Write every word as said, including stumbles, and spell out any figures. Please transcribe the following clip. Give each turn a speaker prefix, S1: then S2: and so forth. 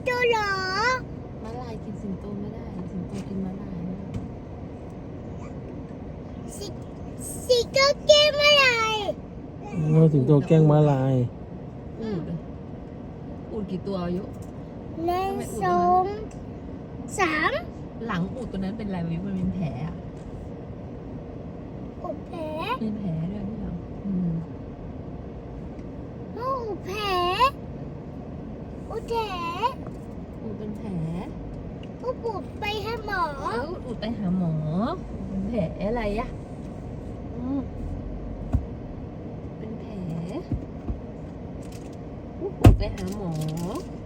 S1: โตเหรอ
S2: ม้าลายกินสิงโตไม่ได้สิงโตกินม้าลายไม่ได้
S1: สิสิโตแก้มอะไร
S3: โอ้สิงโตแกล้งม้าลาย
S2: อูดอะอูดกี่ตัวอายุ
S1: หนึ่งสองสาม
S2: หลังอูดตัวนั้นเป็นอะไรวะมันเป็นแผลอะ
S1: อุดแผล
S2: เป็นแผลด้วยที่หลังอืม
S1: โอ้แผลอุดแผล
S2: อูดเป็นแผล
S1: อุดปุดไปหาหมอ
S2: เอออูดไปหาหมอเป็นแผลอะไรอะอืมเป็นแผลอูดไปหาหมอ